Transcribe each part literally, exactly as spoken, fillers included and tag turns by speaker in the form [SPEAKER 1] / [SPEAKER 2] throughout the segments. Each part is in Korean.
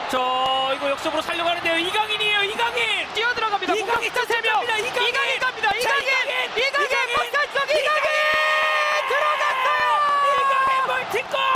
[SPEAKER 1] 자, 이거 역습으로 살려가는데요. 이강인이에요. 이강인
[SPEAKER 2] 뛰어들어갑니다.
[SPEAKER 1] 이강인
[SPEAKER 2] 공격 세 명.
[SPEAKER 1] 이강인
[SPEAKER 2] 이강인 갑니다.
[SPEAKER 1] 자,
[SPEAKER 2] 이강인.
[SPEAKER 1] 이강인
[SPEAKER 2] 이강인 바깥쪽 이강인 들어갔어요.
[SPEAKER 1] 이강인 멀티골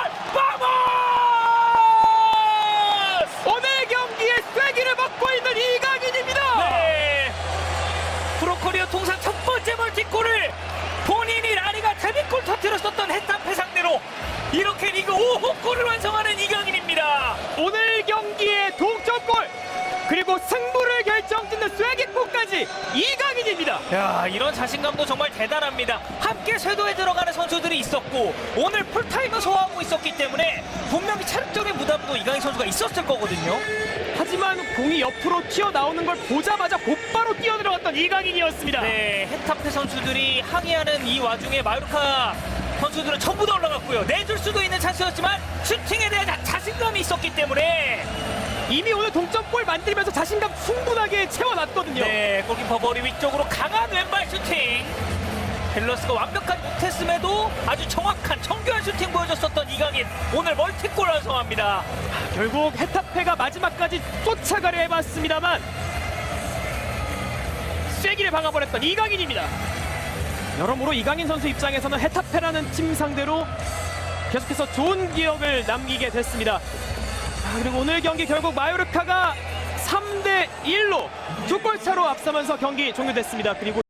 [SPEAKER 1] 바모스.
[SPEAKER 2] 오늘 경기에 쐐기를 먹고 있는 이강인입니다.
[SPEAKER 1] 네. 프로코리아 통산 첫 번째 멀티골을 본인이 라리가 데뷔골 터뜨렸었던 헤타페 상대로 이렇게 리그 오 호 골을 완성하는 이강인입니다.
[SPEAKER 2] 오늘 경기의 동점골 그리고 승부를 결정짓는 쐐기골까지 이강인입니다.
[SPEAKER 1] 야, 이런 자신감도 정말 대단합니다. 함께 쇄도에 들어가는 선수들이 있었고 오늘 풀타임을 소화하고 있었기 때문에 분명히 체력적인 부담도 이강인 선수가 있었을 거거든요.
[SPEAKER 2] 하지만 공이 옆으로 튀어나오는 걸 보자마자 곧바로 뛰어들어갔던 이강인이었습니다.
[SPEAKER 1] 네, 헤타페 선수들이 항의하는 이 와중에 마요르카 선수들은 전부 다 올라갔고요. 내줄 수도 있는 찬스였지만 슈팅에 대한 자, 자신감이 있었기 때문에
[SPEAKER 2] 이미 오늘 동점골 만들면서 자신감 충분하게 채워놨거든요.
[SPEAKER 1] 네, 골키퍼 머리 위쪽으로 강한 왼발 슈팅. 밸런스가 완벽하지 못했음에도 아주 정확한 정교한 슈팅 보여줬었던 이강인, 오늘 멀티골 완성합니다.
[SPEAKER 2] 결국 헤타페가 마지막까지 쫓아가려 해봤습니다만 쐐기를 박아버렸던 이강인입니다. 여러모로 이강인 선수 입장에서는 헤타페라는 팀 상대로 계속해서 좋은 기억을 남기게 됐습니다. 아, 그리고 오늘 경기 결국 마요르카가 삼 대 일로 두 골 차로 앞서면서 경기 종료됐습니다. 그리고